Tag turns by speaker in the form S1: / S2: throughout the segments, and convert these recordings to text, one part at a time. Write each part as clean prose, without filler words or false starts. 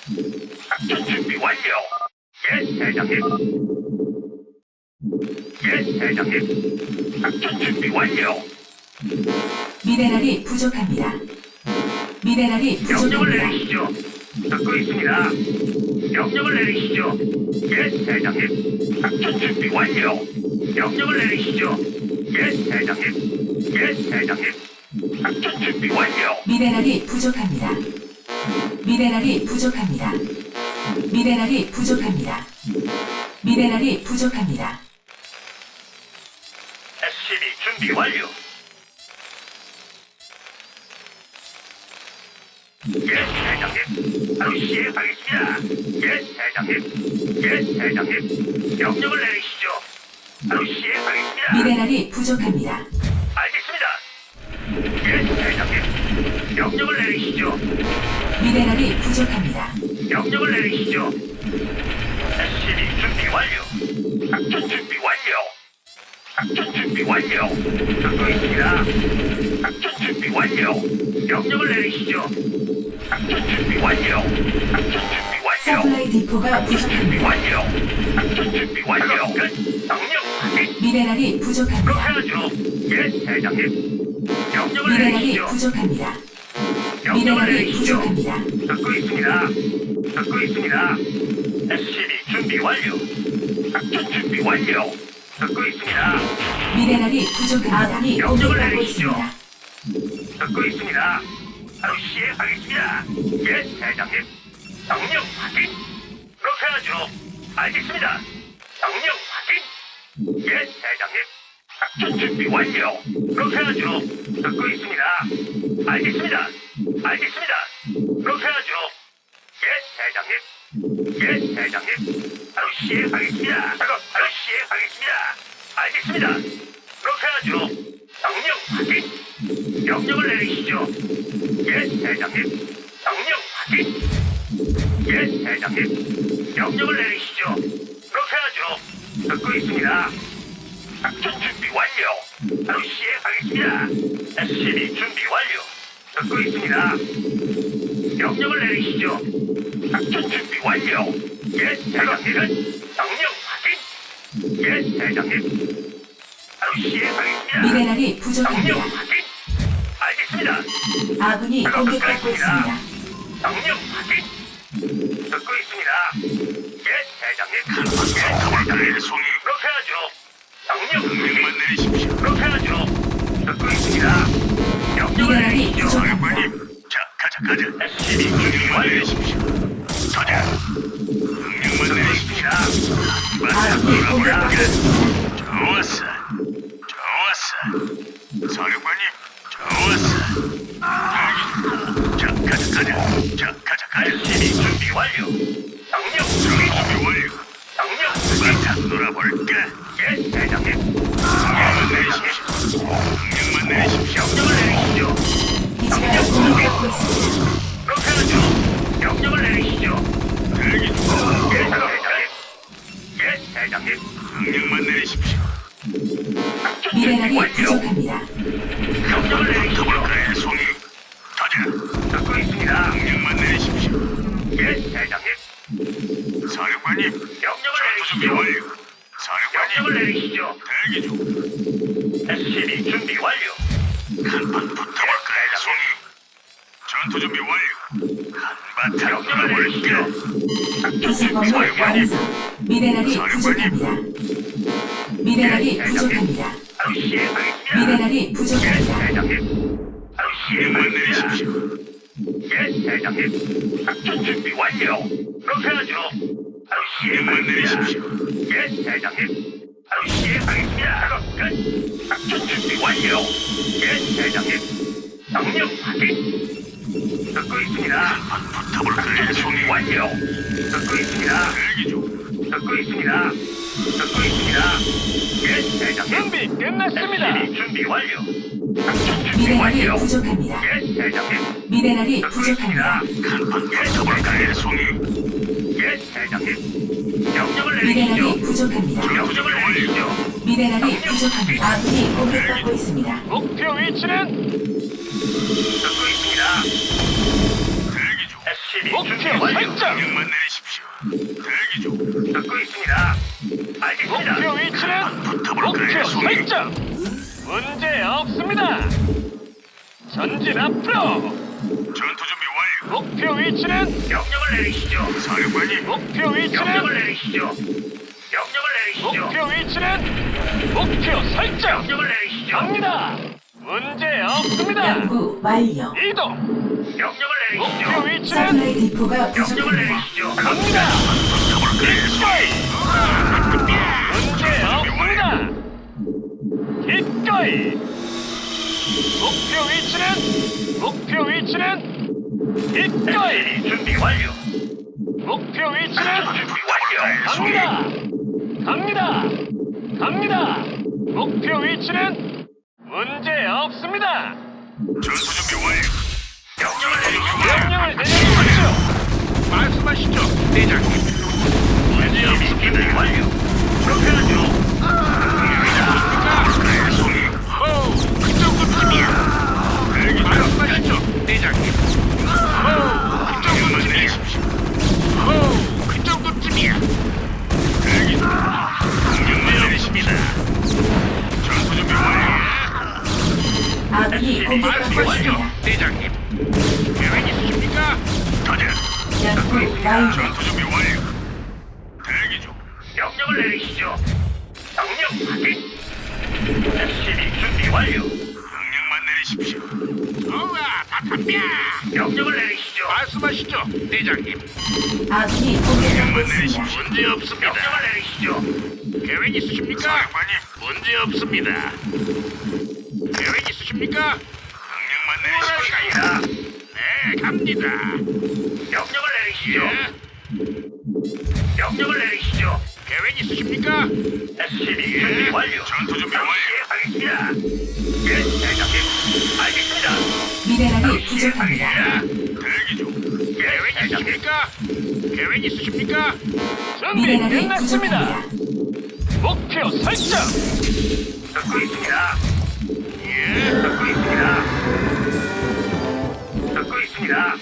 S1: 작전 준비 완료. 예, 대장님. 예, 대장님. 작전 준비 완료.
S2: 미네랄이 부족합니다. 미네랄이
S1: 명령을
S2: 부족합니다.
S1: 내리시죠. 듣고 있습니다. 명령을 내리시죠. 예, 대장님. 작전 준비 완료. 명령을 내리시죠. 예, 대장님. 예, 대장님. 작전 준비 완료.
S2: 미네랄이 부족합니다. 미네랄이 부족합니다. 미네랄이 부족합니다. 미네랄이 부족합니다.
S1: SCB 준비 완료. 예, 대장님. 바로 시행하겠습니다. 예, 대장님. 예, 대장님. 명령을 내리시죠. 바로 시행하겠습니다.
S2: 미네랄이 부족합니다.
S1: 알겠습니다. 예, 대장님. 명령을 내리시죠.
S2: 미네랄이 부족합니다.
S1: 명령을 내리시죠. SCB 준비 완료. 작전 준비 완료. 작전 준비 완료. 듣고 있습니다. 작전 준비 완료. 명령을 내리시죠. 작전 준비 완료. 작전 준비 완료.
S2: 서플라이 디포가
S1: 준비
S2: 부족합니다.
S1: 완료. 작전 준비 완료. 끝. 명령 확인.
S2: 미네랄이
S1: 그렇게
S2: 부족합니다.
S1: 하죠. 예, 대장님. 명령을
S2: 미네랄이
S1: 내리시죠.
S2: 부족합니다.
S1: 명령을
S2: 미네랄이
S1: 내리시죠.
S2: 부족합니다.
S1: 듣고 있습니다. 듣고 있습니다. SCB 준비 완료. 작전 준비 완료. 듣고 있습니다.
S2: 미네랄이 부족합니다. 아군이
S1: 명령을
S2: 공격받고
S1: 내리시죠.
S2: 있습니다.
S1: 듣고 있습니다. 바로 시행하겠습니다. 예, 대장님. 명령 확인. 그렇게 하죠. 알겠습니다. 명령 확인. 예, 대장님. 작전 준비 완료. 그렇게 하죠. 듣고 있습니다. 알겠습니다. 알겠습니다. 그렇게 하죠. 예, 대장님. 예, 대장님. 바로 시행하겠습니다. 바로 시행하겠습니다. 알겠습니다. 그렇게 하죠. 명령 확인. 명령을 내리시죠. 예, 대장님. 명령 확인. 예, 대장님. 명령을 내리시죠. 그렇게 하죠. 듣고 있습니다. 작전 준비 완료. 바로 시행하겠습니다. SCB 준비 완료. 듣고 있습니다. 명령을 내리시죠. 작전 준비 완료. 예, 대장님. 명령 확인. 예, 대장님. 바로 시행하겠습니다.
S2: 미네랄이
S1: 명령
S2: 부족합니다.
S1: 확인. 알겠습니다.
S2: 아군이 공격받고 있습니다.
S1: 명령 확인. 듣고 있습니다. 예, 대장님. 예, 대장님. 송이. 그렇게 하죠. 명령 확인. 내리십시오. 그렇게 하죠. 듣고 있습니다. 명령을
S2: 미네랄이
S1: 내리시죠.
S2: 부족합니다.
S1: 자, 가자. SCB 준비 완료하십시오. 가자. 명령만 내리십시오.
S2: 아군이 공격받고 있습니다.
S1: 좋았어. 좋았어. 사령관님, 좋았어. 자, 가자. SCB 준비 완료. 명령 준비 완료. 명령 바탕 놀아볼까? 예, 대장님. 명령만 내리십시오. 명령을 내리시죠.
S2: 기지가 공격받고 있습니다.
S1: 그렇게 하죠. 명령을 내리시죠. 대기 중. 예, 대장님. 예, 대장님. 명령만 내리십시오. 작전 준비
S2: 미네랄이
S1: 완료.
S2: 부족합니다.
S1: 명령을 내리시죠. 그래, 송이. 가자. 듣고 있습니다. 명령만 내리십시오. 예, 대장님. 사령관님. 명령을 내리시죠. 명령을 내리시죠. 대기 중. SCB 준비 완료. 한판 붙어볼까요, 송이? 전투 준비 완료. 한바탕 놀아볼까?
S2: 부수건물 완성. 미네랄이 부족합니다. 미네랄이 부족합니다.
S1: 바로 시행하겠습니다.
S2: 미네랄이 부족합니다.
S1: 예, 대장님. 바로 시행하겠습니다. 예, 대장님. 작전 준비 완료. 그렇게 하죠. 바로 시행하겠습니다. 예, 대장님. 바로 시행하겠습니다. 작업 끝. 작전 준비 완료. 예, 대장님. 명령 확인. 듣고 있습니다. 작전 준비 완료. 듣고 있습니다. 대기 중. 듣고 있습니다. 듣고 있습니다. 예, 대장님.
S3: 준비 끝났습니다.
S1: SCB 준비 완료. 작전 준비
S2: 미네랄이
S1: 완료.
S2: 부족합니다.
S1: 예, 대장님.
S2: 미네랄이
S1: 듣고
S2: 부족합니다.
S1: 있습니다. 한판 붙어볼까요, 송이? 예, 대장님. 명령을 내리시죠.
S2: 미네랄이 부족합니다.
S1: 명령을 내리시죠.
S2: 미네랄이 부족합니다. 아군이 공격받고 있습니다.
S3: 목표 위치는
S1: 듣고 있습니다. 대기 중. SCB 목표 설정. 명령만 내리십시오. 대기 중. 듣고 있습니다. 알겠습니다. 목표 위치는 목표 설정. 문제 없습니다. 전진 앞으로. 전투 준비 완료. 목표 위치는 명령을 내리시죠. 사령관님. 목표 위치는 명령을 내리시죠. 명령을 내리시죠. 목표 위치는 목표 설정. 명령을 내리시죠. 갑니다. 문제 없습니다.
S2: 연구 완료.
S1: 이동. 명령을 내리시죠. 목표 위치는
S2: 서플라이 디포가
S1: 명령을
S2: 부족합니다.
S1: 내리시죠. 갑니다. 문제 없습니다. 기꺼이. 목표 위치는 기꺼이. 준비 완료. 목표 위치는 준비 완료. 갑니다. 목표 위치는 문제 없습니다. 전투 준비 완료. 명령을 내려주십시오. 말씀하시죠, 대장님. 문제 없습니다. 완료. 그렇게 하죠. 호우, 그 정도쯤이야. 말씀하시죠, 대장님. 호우, 그 정도쯤이야. 호우, 그 정도쯤이야. 명령 내리십니다. 전투 준비 완료.
S2: 아군이 공격받고 있습니다.
S1: 대장님. 계획 있으십니까? 가자.
S2: 연구 완료.
S1: 전투 준비 완료. 대기 중. 명령을 내리시죠. 명령 확인. SCV 준비 완료. 명령만 내리십시오. 우와, 다 탑니다. 명령을 내리시죠. 말씀하시죠, 대장님.
S2: 아군이 공격받고
S1: 명령만
S2: 있습니다.
S1: 내리십시오. 문제 없습니다. 명령을 내리시죠. 계획 있으십니까? 사령관님, 문제 없습니다. 계획 있으십니까? 명령만 내리십시오. 네, 갑니다. 명령을 내리시죠. 명령을 내리시죠. 계획 있으십니까? SCV 준비 완료. 전투 준비 완료. 하겠습니다. 예, 대장님. 알겠습니다.
S2: 미네랄이 부족합니다.
S1: 대기 중. 계획 있으십니까? 계획 있으십니까? 준비
S2: 미네랄이
S1: 끝났습니다.
S2: 부족합니다.
S1: 목표 설정. 듣고 있습니다. 예, 듣고 있습니다. 듣고 있습니다.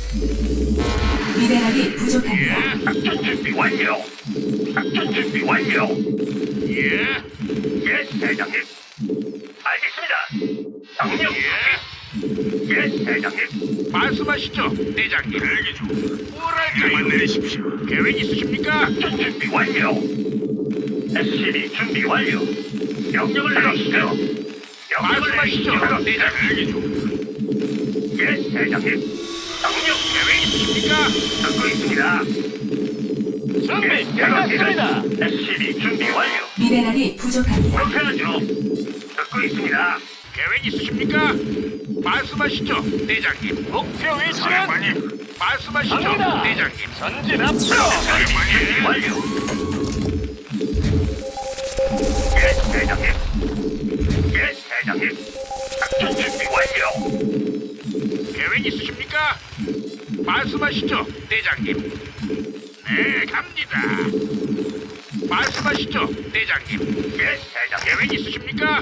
S2: 미네랄이 부족합니다.
S1: 예, 작전 준비 완료. 작전 준비 완료. 예, 예, 대장님. 알겠습니다. 명령. 예, 예, 대장님. 말씀하시죠, 대장님. 대기 중. 뭐랄까요? 내리십시오. 계획 있으십니까? 작전 준비 완료. SCV 준비 완료. 명령을 내리시죠. 명령을 내리시죠. 대장 대기 중. 예, 대장님. 명령 계획 있으십니까? 듣고 있습니다. 준비 끝났습니다. SCV 준비 완료.
S2: 미네랄이 부족합니다.
S1: 그렇게 하죠. 듣고 있습니다. 계획 있으십니까? 말씀하시죠, 대장님. 목표 위치는 말씀하시죠, 갑니다. 대장님. 전진 앞으로. 준비 완료. 예, 대장님. 예, 대장님. 작전 준비 완료. 계획 있으십니까? 말씀하시죠, 대장님. 네, 갑니다. 말씀하시죠, 대장님. 예, 대장. 계획 있으십니까?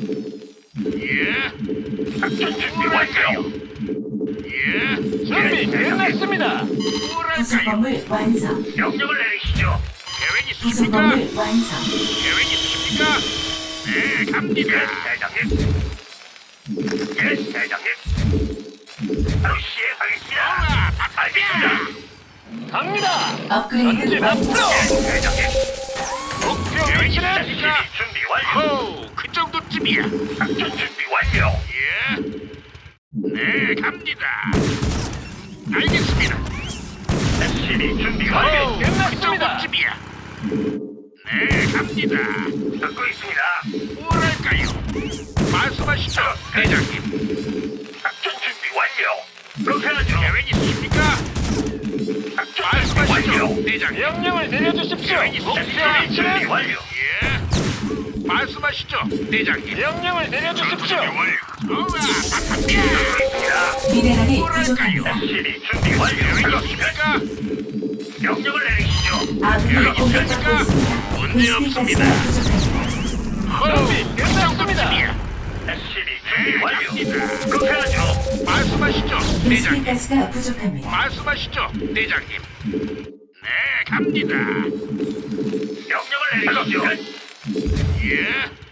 S1: 예. 작전 준비 완료. 예. 준비 끝났습니다. 뭐랄까요?
S2: 부속범을 완성.
S1: 명령을 내리시죠. 계획 있으십니까?
S2: 부속범을 완성.
S1: 계획 있으십니까? 네, 갑니다. 예, 대장님. 예, 대장님. 바로 시행하겠습니다. 알겠습니다. 갑니다.
S2: 업그레이드 완료.
S1: 예, 대장님. 목표 위치는 준비 완료. 호, 그 정도쯤이야. 작전 준비 완료. 예. 네, 갑니다. 알겠습니다. SCV 준비 완료. 끝났습니다. 그 정도쯤이야. 네, 갑니다. 듣고 있습니다. 뭐랄까요? 말씀하시죠, 대장님. 작전 준비 완료. 그렇게 하죠. 계획 있으십니까? 작전 말씀하시죠, 대장님. 명령을 내려주십시오. 목표 준비 완료. 예. 말씀하시죠, 대장님. 명령을 내려주십시오. 우와, 바탕이야.
S2: 미네랄이 부족합니다.
S1: SCV 준비 완료. 계획 있으십니까? 명령을 내리시죠.
S2: 아군이 공격받고 있습니다.
S1: 문제 없습니다.
S2: 베스핀가스가 부족합니다.
S1: 준비 끝났습니다. SCV 준비 완료. 그렇게 하죠.
S3: 말씀하시죠,
S2: 베스핀
S3: 대장님.
S2: 가스가 부족합니다.
S3: 말씀하시죠, 대장님. 네, 갑니다.
S1: 명령을 내리시죠.
S3: 예.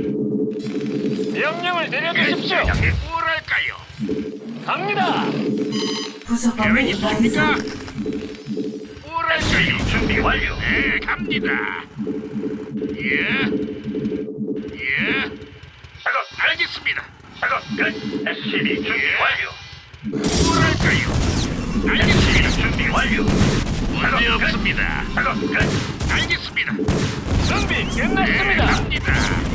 S4: 명령을 내려주십시오.
S1: 대장님.
S3: 뭐랄까요?
S4: 갑니다.
S2: 부속
S3: 계획
S2: 건물
S3: 있으십니까?
S2: 완성.
S3: 뭐랄까요?
S1: 준비 완료.
S3: 네, 갑니다. 예. 예.
S1: 작업
S3: 알겠습니다.
S1: 작업 끝. SCB 준비 완료.
S3: 뭐랄까요? 알겠습니다.
S1: SCB 준비 완료.
S3: 문제 없습니다.
S1: 작업 끝.
S3: 알겠습니다.
S4: 준비
S3: 네,
S4: 끝났습니다.
S3: 갑니다.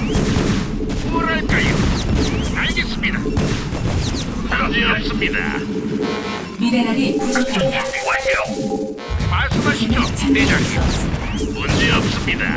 S3: 뭐랄까요? 알겠습니다. 문제 없습니다.
S2: 미네랄이 부족합니다.
S1: 준비 완료.
S3: 말씀하시죠,
S2: 참여할 수
S3: 대장님.
S2: 없습니다.
S3: 문제 없습니다.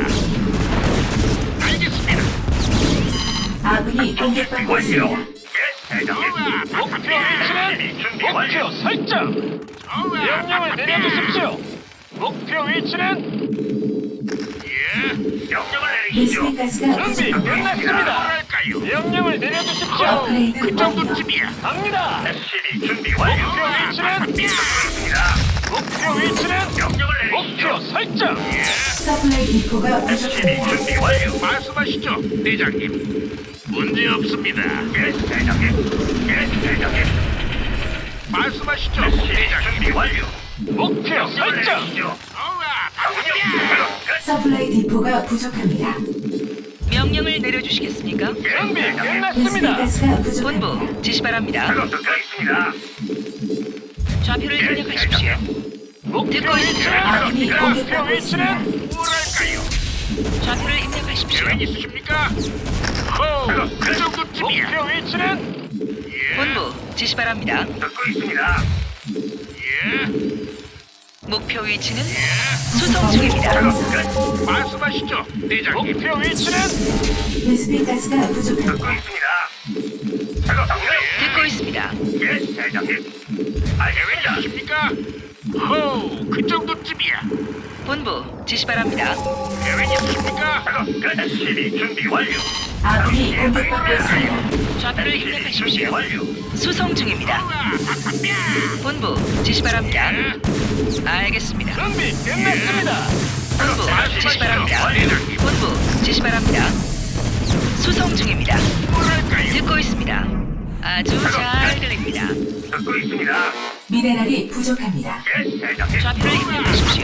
S3: 알겠습니다.
S2: 아군이 공격받고 있습니다.
S1: 예, 대장님.
S3: 좋아,
S4: 목표 위치는
S1: SCB 준비 완료.
S4: 목표 설정.
S3: 좋아.
S4: 명령을 내려주십시오. 목표 위치는
S3: 예.
S1: 명령을 내리시죠.
S2: 베스핀 가스가
S4: 준비
S2: 부족합니다.
S4: 끝났습니다.
S3: 뭐랄까요?
S4: 명령을 내려주십시오.
S2: 업그레이드
S3: 그
S2: 완료.
S3: 정도쯤이야.
S4: 갑니다.
S1: SCB 준비 완료.
S4: 목표 위치는
S1: 있습니다.
S4: 목표 위치는
S1: 명령을
S4: 목표
S1: 내리시죠.
S4: 설정.
S2: 서플라이 디포가
S1: SCB
S2: 부족합니다.
S1: 준비 완료.
S3: 말씀하시죠, 대장님. 문제 없습니다.
S1: 예, 대장님. 예, 대장님.
S3: 말씀하시죠,
S1: SCB
S3: 대장님.
S1: 준비 완료.
S4: 목표
S1: 명령을
S4: 설정.
S1: 내리시죠.
S3: 좋아,
S1: 명령 작업 끝.
S2: 서플라이 디포가 부족합니다.
S5: 명령을 내려주시겠습니까?
S4: 준비
S2: 베스핀
S4: 끝났습니다.
S2: 가스가 부족합니다.
S5: 본부 지시 바랍니다.
S1: 작업 듣고 있습니다.
S5: 좌표를 입력하십시오.
S4: 목표
S5: 듣고
S4: 위치는
S5: 있습니다.
S2: 아군이
S4: 목표
S2: 공격받고 있습니다.
S4: 위치는
S3: 뭐랄까요?
S5: 좌표를 입력하십시오.
S3: 계획 있으십니까? 호, 그 정도쯤이야.
S4: 목표 위치는
S3: 예.
S5: 본부 지시 바랍니다.
S1: 듣고 있습니다.
S3: 예.
S5: 목표 위치는
S2: 부속
S5: 수송
S2: 건물
S5: 중입니다.
S2: 완성.
S1: 끝.
S3: 말씀하시죠, 대장님.
S4: 목표 위치는
S2: 베스핀 가스가
S1: 듣고
S2: 부족합니다.
S1: 있습니다. 작업 명령.
S5: 듣고 있습니다.
S1: 예, 대장님.
S3: 계획
S1: 알겠습니다.
S3: 있으십니까? 호, 그 정도쯤이야.
S5: 본부 지시 바랍니다.
S3: 계획 있으십니까?
S1: 작업 끝. SCB 준비 완료.
S2: 아군이 공격받고 있습니다.
S5: 좌표를
S1: 준비
S5: 입력하십시오.
S1: 완료.
S5: 수송 중입니다. 본부 지시 바랍니다. 알겠습니다.
S4: 준비 끝났습니다.
S5: 본부 지시 바랍니다.
S3: 대장님.
S5: 본부 지시 바랍니다. 수송 중입니다.
S3: 뭐랄까요?
S5: 듣고 있습니다. 아주 잘 들립니다.
S1: 듣고 있습니다.
S2: 미네랄이 부족합니다.
S1: 예, 대장님.
S5: 좌표를 입력하십시오.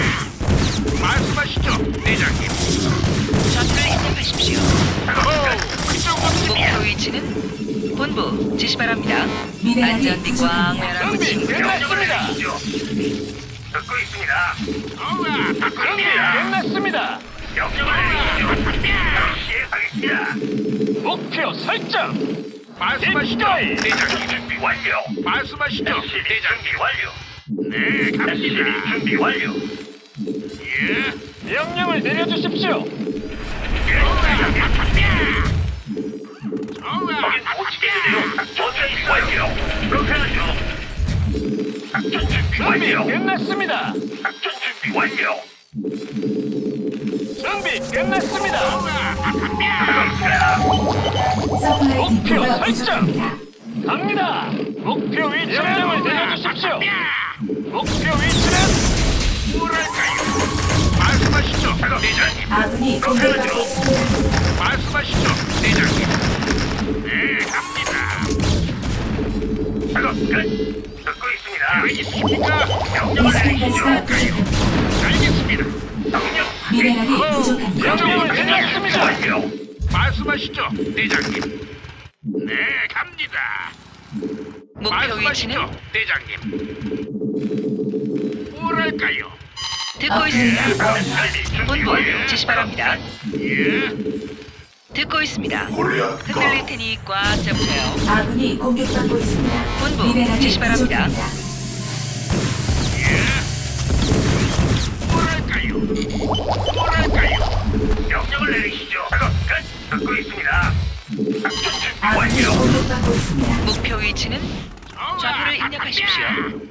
S3: 말씀하시죠, 대장님.
S5: 좌표를 입력하십시오.
S3: 호, 그 정도쯤이야.
S5: 목표 위치는 본부 지시 바랍니다.
S2: 미네랄이
S5: 안전띠 꽉
S2: 부족합니다.
S5: 매라고
S4: 준비
S5: 친구.
S1: 명령을
S4: 끝났습니다.
S1: 내리시죠. 듣고 있습니다.
S3: 좋아,
S4: 준비 끝났습니다.
S1: 명령을 내리시죠. 시행하겠습니다.
S4: 목표 설정.
S3: 말씀하시죠,
S4: 입가이.
S3: 대장님.
S1: 준비 완료.
S3: 말씀하시죠,
S1: SCB
S3: 대장님.
S1: 준비 완료.
S3: 네,
S1: SCB
S3: 갑니다.
S1: 준비 완료.
S3: 예.
S4: 명령을 내려주십시오.
S1: 예, 대장님.
S3: 좋아,
S1: 거긴 못치겠는데요. 작전 준비 완료. 그렇게 하죠. 작전 준비
S4: 준비
S1: 완료.
S4: 끝났습니다.
S1: 작전 준비 완료.
S4: 준비 끝났습니다.
S2: 서플라이
S4: 목표
S2: 디포가
S4: 설정.
S2: 부족합니다.
S4: 갑니다. 목표 위치는 명령을 내려주십시오. 목표 위치는
S3: 뭐랄까요? 말씀하시죠, 대장님.
S2: 아군이 공격받고 있습니다.
S3: 말씀하시죠, 대장님. 네, 갑니다.
S1: 작업 끝. 듣고 있습니다.
S3: 계획 있으십니까?
S1: 명령을
S2: 베스핀
S1: 내리시죠.
S2: 가스가 부족합니다.
S3: 알겠습니다.
S1: 명령.
S2: 미네랄이 부족합니다.
S4: 명령을 내렸습니다.
S1: 완료.
S3: 말씀하시죠, 대장님. 네, 갑니다.
S5: 목표
S3: 말씀하시죠,
S5: 위치는
S3: 대장님. 뭐랄까요?
S5: 듣고 있습니다.
S1: SCB 준비
S5: 본부
S1: 완료.
S5: 지시 바랍니다.
S3: 예.
S5: 듣고 있습니다. 흔들릴 테니 꽉 잡으세요.
S2: 아군이 공격받고 있습니다.
S5: 본부
S2: 미네랄이
S5: 지시 바랍니다.
S2: 부족합니다.
S3: 뭐랄까요? 뭐랄까요?
S1: 명령을 내리시죠. 작업 끝. 듣고 있습니다. 작전 준비
S2: 아군이
S1: 완료.
S2: 공격받고 있습니다.
S5: 목표 위치는 좌표를 입력하십시오.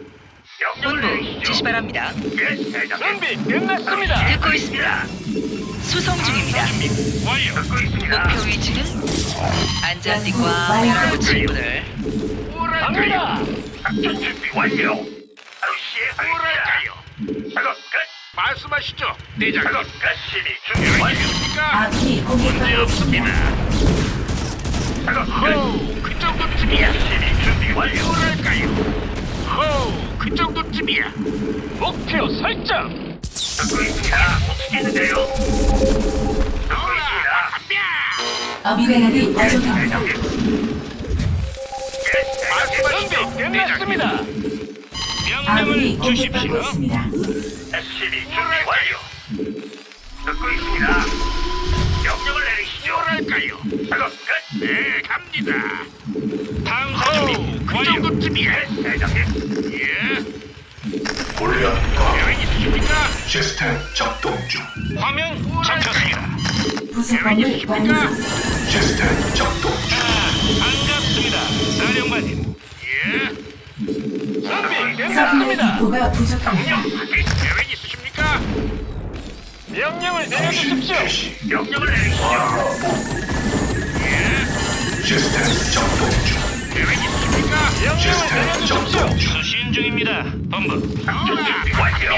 S1: 명령을
S5: 본부
S1: 내리시죠.
S5: 지시 바랍니다.
S1: 예, 대장님.
S4: 준비 끝났습니다.
S5: 듣고 있습니다. 수송 중입니다.
S3: 완료.
S1: 듣고 있습니다.
S5: 목표 위치는 안전띠과
S2: 완료.
S5: 매라고 친구들.
S4: 갑니다.
S1: 작전 준비 완료. 바로 시행하겠습니다. 작업 끝.
S3: 말씀하시죠,
S1: 작업
S3: 대장님.
S1: 끝. 시리 준비 완료.
S3: 계획이십니까?
S2: 아군이
S3: 문제
S2: 공격받고
S3: 없습니다.
S2: 있습니다.
S1: 작업 끝.
S3: 호우, 그 정도쯤이야.
S1: 시리 준비 완료.
S3: 뭐랄까요? 호우, 그 정도쯤이야.
S4: 목표 설정.
S1: 듣고 있습니다. 못치겠는데요. 듣고 있습니다.
S2: 미네랄이 부족합니다.
S1: 대장님. 예, 대장님.
S3: 말씀하시죠,
S4: 준비 끝났습니다.
S2: 아군이
S3: 명령을
S2: 공격받고
S3: 주십시오.
S2: 있습니다.
S1: SCB 준비 완료. 듣고 있습니다. 명령을 내리시죠.
S3: 뭐랄까요?
S1: 작업 끝.
S3: 네, 갑니다. 탐사 준비 그 정도쯤이야.
S1: 예, 대장님.
S3: 예.
S6: 골리앗
S3: 계획 있으십니까?
S6: 시스템 작동 중.
S3: 화면 잡혔습니다.
S2: 부속 건물 완성.
S6: 시스템 작동 중.
S3: 반갑습니다, 사령관님. 예.
S4: 준비
S2: 서플라이
S4: 끝났습니다.
S2: 디포가 부족합니다.
S3: 계획 있으십니까?
S4: 명령을 내려주십시오.
S6: 개시.
S1: 명령을 내리시죠.
S6: 시스템 작동 중.
S3: 계획 있으십니까?
S4: 명령을
S6: 시스템
S4: 내려주십시오.
S6: 작동 중.
S3: 수신 중입니다, 본부.
S1: 작전 준비 완료.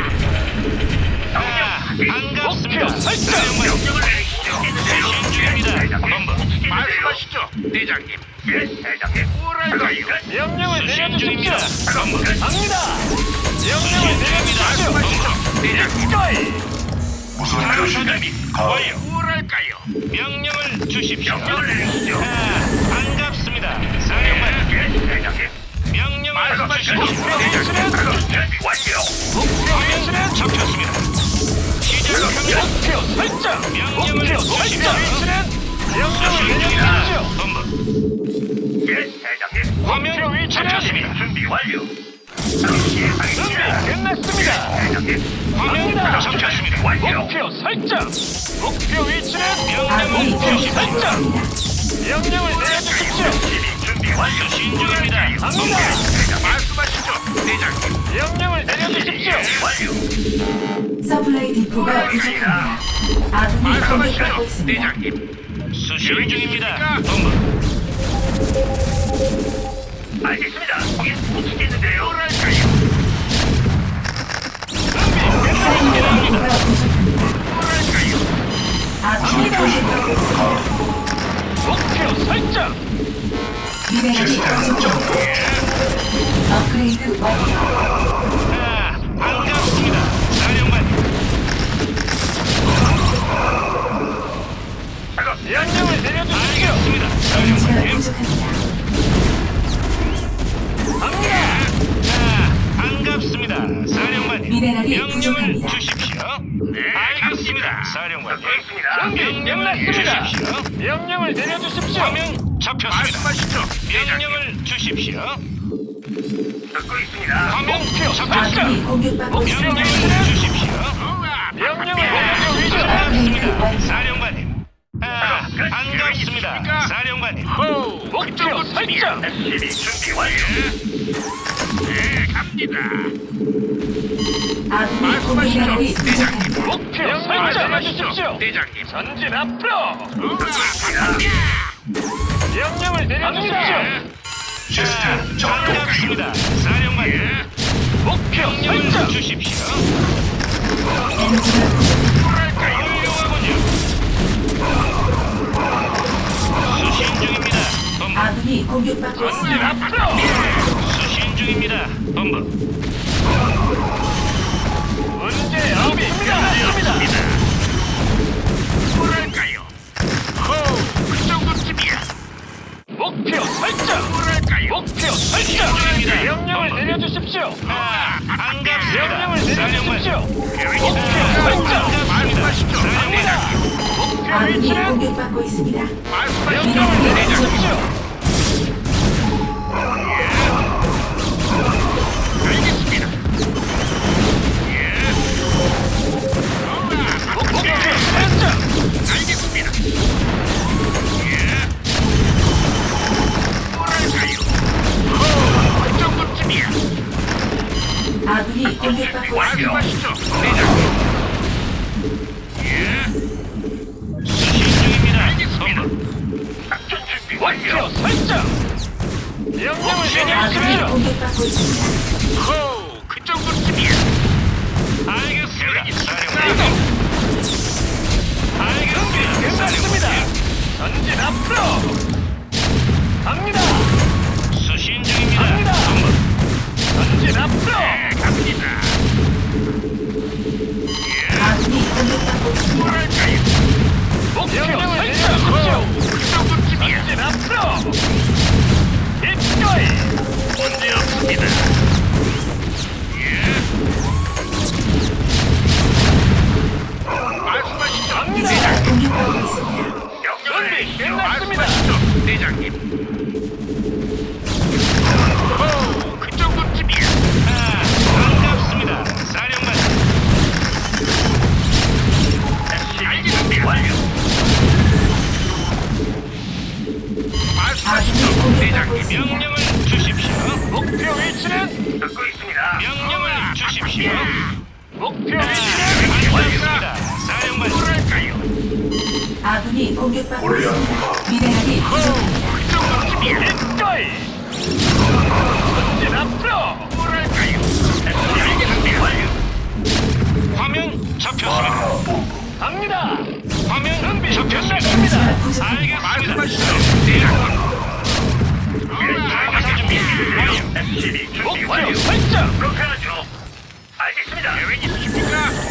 S3: 반갑습니다,
S4: 목표 설정.
S3: 사령관님.
S1: 명령을 내리시죠.
S3: 수신 중입니다, 본부.
S1: 말씀하시죠.
S3: 말씀하시죠, 대장님.
S1: 예, 대장님.
S3: 뭐랄까요?
S4: 명령을
S3: 수신
S4: 내려주십시오.
S3: 중입니다, 본부.
S4: 갑니다. 명령을 내려주십시오.
S3: 말씀하시죠, 대장님.
S4: 기꺼이.
S6: 무선
S3: 탐사
S6: 교신
S3: 준비
S6: 가.
S3: 완료. 뭐랄까요? 명령을 주십시오.
S1: 명령을 내리시죠.
S3: 반갑습니다, 사령관님.
S1: 예, 대장님.
S3: 명령을 주십시오.
S4: 위치는
S1: 작업 준비 완료.
S4: 목표 위치는
S3: 잡혔습니다. 시작합니다.
S4: 목표 설정. 목표 설정. 위치는 명령을 내려주십시오.
S3: 본부.
S1: 예, 대장님.
S3: 화면
S4: 목표 위치는
S3: 잡혔습니다.
S1: 준비 완료. 바로
S4: 준비
S1: 시행하겠습니다.
S4: 끝났습니다.
S1: 대장님.
S3: 화면
S4: 갑니다.
S3: 잡혔습니다.
S1: 완료.
S4: 목표 설정. 목표 위치는
S2: 아군이
S3: 명령을
S4: 목표
S2: 공격받고
S3: 주십시오.
S2: 있습니다.
S4: 명령을 내려주십시오.
S1: 준비 완료.
S3: 수신 중입니다.
S4: 갑니다.
S3: 말씀하시죠, 대장님.
S4: 명령을 내려주십시오.
S1: 완료.
S2: 서플라이 디포가 부족합니다. 아군이 공격받고
S3: 말씀하시죠,
S2: 있습니다.
S3: 대장님. 수신 중입니다. 본부.
S1: 알겠습니다. 거긴 못치겠는데요.
S3: 뭐랄까요?
S2: 서플라이 디포가 부족합니다.
S3: 뭐랄까요?
S2: 아군이 공격받고 있습니다.
S4: 목표 설정.
S2: 미네랄이
S6: 시스템
S2: 부족합니다.
S6: 작동.
S2: 업그레이드 완료.
S3: 반갑습니다, 사령관님.
S4: 명령을 내려주십시오.
S3: 알겠습니다,
S2: 에너지가
S3: 사령관님.
S2: 부족합니다.
S4: 갑니다.
S3: 반갑습니다, 사령관님.
S2: 미네랄이
S3: 명령을
S2: 부족합니다.
S3: 주십시오. 네, 알겠습니다, 사령관님.
S1: 듣고 있습니다.
S4: 준비
S3: 명령을
S4: 끝났습니다.
S3: 주십시오.
S4: 명령을 내려주십시오.
S3: 화면 잡혔습니다. 말씀하시죠, 명령을 주십시오.
S1: 듣고 있습니다.
S3: 화면
S4: 목표
S3: 잡혔습니다.
S2: 아군이 공격받고 있습니다.
S3: 명령을 주십시오.
S4: 명령을 내려주십시오.
S3: 반갑습니다, 사령관님. 반갑습니다, 사령관님.
S4: 목표 설정.
S1: SCB 준비 완료.
S3: 네, 갑니다.
S2: 아군이 공격받고
S3: 대장님.
S2: 부족합니다.
S4: 목표 설정 내려주십시오.
S3: 대장님.
S4: 전진 앞으로.
S1: 듣고
S4: 명령을 내려주십시오.
S6: 시스템 작동 중.
S3: 반갑습니다, 사령관님.
S4: 목표
S3: 명령을
S4: 설정.
S3: 주십시오.
S2: 에너지가 부족합니다.
S3: 훌륭하군요. 수신 중입니다, 본부.
S2: 아군이 공격받고
S4: 전진
S2: 있습니다.
S4: 앞으로.
S3: 수신 중입니다, 본부.
S4: 문제 없습니다.
S3: 뭐랄까요? 그 정도쯤이야.
S4: 목표 설정.
S3: 뭐랄까요?
S4: 목표 설정. 명령을 내려주십시오.
S3: 반갑습니다,
S4: 명령을 내려주십시오. 목표 설정.
S3: 말씀하시죠,
S4: 갑니다. 목표
S2: 아군이
S4: 위치는
S2: 공격받고 있습니다.
S3: 말씀하시죠,
S4: 명령을
S3: 대장님.
S4: 내려주십시오.
S3: 알겠습니다.
S4: 목표 설정.
S3: 알겠습니다. 뭐랄까요? 그 정도쯤이야.
S2: 아군이 공격받고 있습니다.
S3: 말씀하시죠, 대장님.
S4: 수신 중입니다.
S1: 알겠습니다. 작전 준비 완료.
S3: 설정. 명령을
S2: 아군이
S3: 내려주십시오.
S2: 공격받고 있습니다.
S3: 호, 그 정도쯤이야.
S4: 알겠습니다.
S3: 이동.
S4: 알겠습니다.
S3: 끝났습니다. 전진 앞으로. 갑니다.
S4: 수신 중입니다.
S3: 갑니다. 전진 앞으로.
S1: 갑니다.
S2: 아군이 공격받고 있습니다.
S1: 뭐랄까요?
S3: 명령을 내려주십시오.
S1: 그 정도쯤이야.
S3: 전진 앞으로. 입거이.
S1: 문제 없습니다. 말씀하시죠.
S3: 갑니다.
S2: 공격받고 있습니다.
S1: 명령을 내리시죠.
S3: 끝났습니다.
S1: 말씀하시죠, 대장님. 오, 그 정도쯤이야.
S4: 반갑습니다. 사령관.
S1: 알겠습니다. 완료. 말씀하시죠,
S2: 아군이 공격받고
S1: 대장님.
S2: 있습니다.
S4: 명령을 주십시오.
S3: 목표 위치는
S1: 듣고 있습니다.
S4: 명령을 주십시오.
S3: 목표 위치는
S4: 반갑습니다. 사령관.
S1: 뭐랄까요?
S2: 아군이 공격받고 있습니다. 미네랄이 부족합니다.
S1: 그 정도쯤이야.
S3: 입거이. 전진 앞으로.
S1: 뭐랄까요? 알겠습니다. 완료.
S4: 화면 잡혔습니다.
S3: 갑니다.
S4: 화면
S3: 준비
S4: 잡혔습니다.
S3: 끝났습니다.
S2: 에너지가 부족합니다.
S4: 알겠습니다.
S1: 말씀하시죠, 대장님.
S4: 방사 준비 완료.
S1: SCB 준비
S3: 목표
S1: 완료.
S3: 설정.
S1: 그렇게 하죠. 알겠습니다. 계획 있으십니까?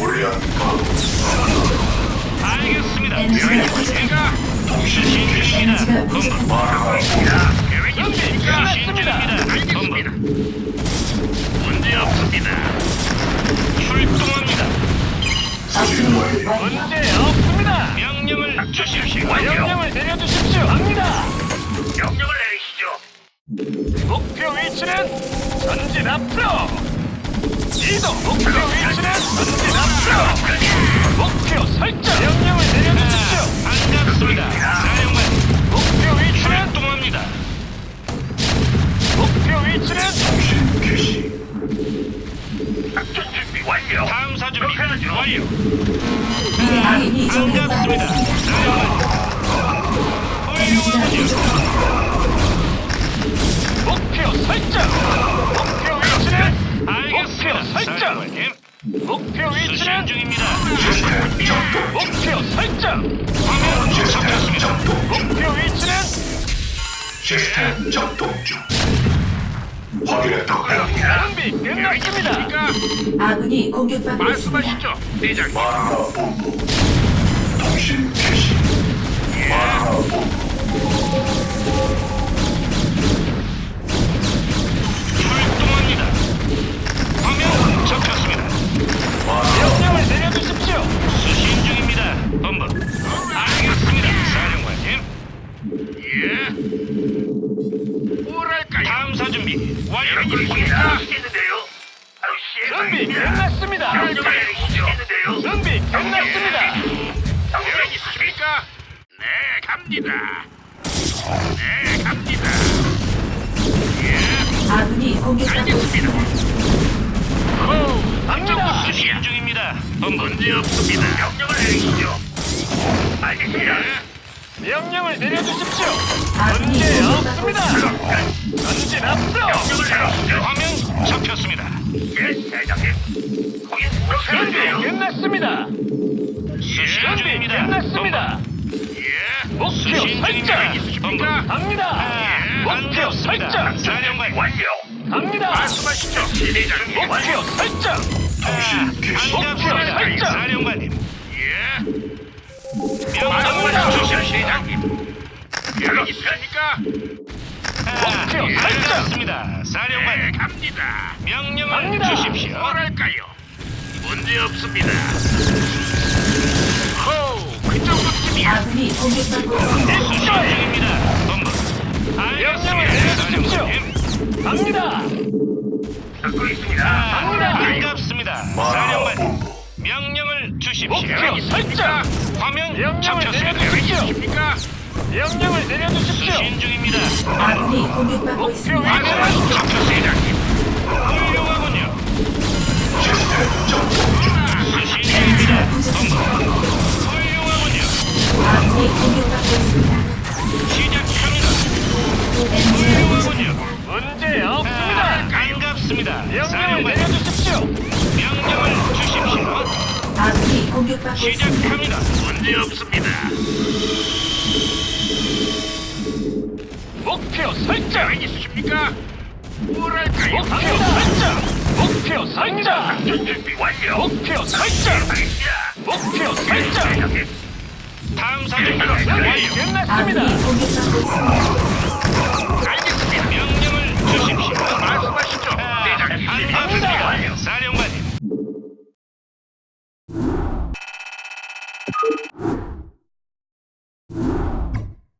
S4: 알겠습니다.
S2: 에너지가
S1: 계획
S2: 부족합니다.
S1: 있으십니까?
S4: 수신 중입니다.
S2: 에너지가
S4: 본부.
S2: 부족합니다.
S1: 알겠습니다. 계획
S3: 준비
S1: 있으십니까?
S4: 수신 중입니다. 본부.
S1: 알겠습니다. 문제 없습니다.
S4: 출동합니다.
S2: 업그레이드 완료.
S3: 문제 없습니다.
S4: 명령을 주십시오.
S3: 명령을 내려주십시오. 갑니다.
S1: 명령을 내리시죠.
S3: 목표 위치는 전진 앞으로. 이동. 목표 위치는 전진 앞으로. 목표 설정. 명령을 내려주십시오.
S4: 반갑습니다. 사령관.
S3: 목표 위치는
S4: 출동합니다.
S3: 목표 위치는
S1: 작전 준비 완료.
S4: 탐사 준비
S1: 그렇게 하죠.
S4: 완료.
S2: 미네랄이 공격받고
S4: 반갑습니다.
S2: 있습니다.
S4: 사령관.
S2: 에너지가
S4: 훌륭하군요.
S2: 부족합니다.
S3: 목표 설정. 목표 위치는
S4: 알겠습니다.
S3: 목표 설정.
S4: 사령관님.
S3: 목표
S4: 수신
S3: 위치는
S4: 중입니다.
S3: 목표 설정.
S4: 화면 잡혔습니다.
S3: 목표 위치는
S6: 시스템 작동 중. 확인했다.
S3: 준비 끝났습니다.
S2: 아군이 공격받고 있습니다.
S1: 말씀하시죠, 대장님.
S6: 마누라 본부. 통신 개시. 마누라 본부.
S4: 출동합니다. 화면 잡혔습니다.
S3: 명령을 내려주십시오.
S4: 수신 중입니다. 본부. 알겠습니다. 사령관님.
S1: 뭐랄까요?
S4: 탐사 준비 완료.
S1: 계획 있으십니까? 하시겠는데요? 바로
S3: 준비
S1: 시행하겠습니다.
S3: 끝났습니다.
S1: 명령을 내리시죠. 하시겠는데요?
S3: 준비 끝났습니다.
S1: 계획 있으십니까? 네, 갑니다. 네, 갑니다.
S2: 아군이 공격받고 있습니다.
S3: 갑니다.
S4: 수신 중입니다. 본부.
S1: 문제 없습니다. 명령을 내리시죠. 알겠습니다.
S3: 명령을 내려주십시오.
S2: 아군이
S3: 문제
S2: 공격받고
S3: 없습니다.
S2: 있습니다.
S3: 전진 앞으로.
S1: 명령을 내리시죠.
S4: 화면 잡혔습니다.
S1: 예, 대장님. 거긴 그렇게
S3: 준비
S1: 하세요.
S3: 끝났습니다.
S4: 수신
S3: 준비
S4: 중입니다.
S3: 끝났습니다. 목표
S4: 수신
S3: 설정.
S4: 중입니다. 본부.
S3: 갑니다. 목표
S4: 반갑습니다.
S3: 설정.
S4: 사령관.
S1: 완료.
S3: 갑니다.
S1: 말씀하시죠. 대장님.
S3: 목표 설정.
S6: 통신 개시.
S4: 반갑습니다.
S3: 설정.
S4: 사령관님. 명령을
S3: 갑니다.
S4: 주십시오.
S1: 대장님. 계획 있으십니까?
S3: 목표 설정.
S4: 알겠습니다. 사령관.
S1: 네, 갑니다.
S4: 명령을
S3: 갑니다.
S4: 주십시오.
S1: 뭐랄까요? 문제 없습니다. 호, 그 정도쯤이야.
S2: 아군이 공격받고 있습니다.
S4: 수신 중입니다. 본부.
S3: 명령을
S4: 알겠습니다.
S3: 내려주십시오.
S4: 사령관님.
S3: 갑니다.
S1: 듣고 있습니다.
S4: 반갑습니다.
S6: 마누라
S4: 사령관.
S6: 본부.
S4: 명령을 주십시오.
S3: 목표 설정.
S4: 화면
S3: 명령을
S4: 잡혔습니다.
S3: 내려주십시오.
S1: 있습니까?
S3: 명령을 내려주십시오.
S4: 수신 중입니다.
S2: 아군이 공격받고
S3: 목표
S2: 있습니다.
S3: 위치는
S1: 대장님.
S4: 훌륭하군요.
S6: 시스템 작동 중.
S4: 수신
S2: 에너지가
S4: 중입니다. 본부.
S2: 부족합니다. 공격받고 있습니다.
S4: 시작합니다.
S2: 엔지가 부족합니다.
S3: 문제 없습니다.
S4: 반갑습니다.
S3: 명령을
S4: 사령관,
S3: 내려주십시오.
S4: 명령을 주십시오.
S2: 아군이 공격받고 있습니다.
S4: 시작합니다.
S1: 문제 없습니다.
S3: 목표 설정.
S1: 있으십니까? 뭐랄까요?
S3: 목표 설정. 목표 설정.
S1: 작전 준비 완료.
S3: 목표 설정.
S1: 알겠습니다.
S3: 목표 설정.
S1: 대장님.
S4: 탐사정도
S3: 준비
S4: 완료.
S3: 끝났습니다.
S2: 아군이 공격받고 있습니다.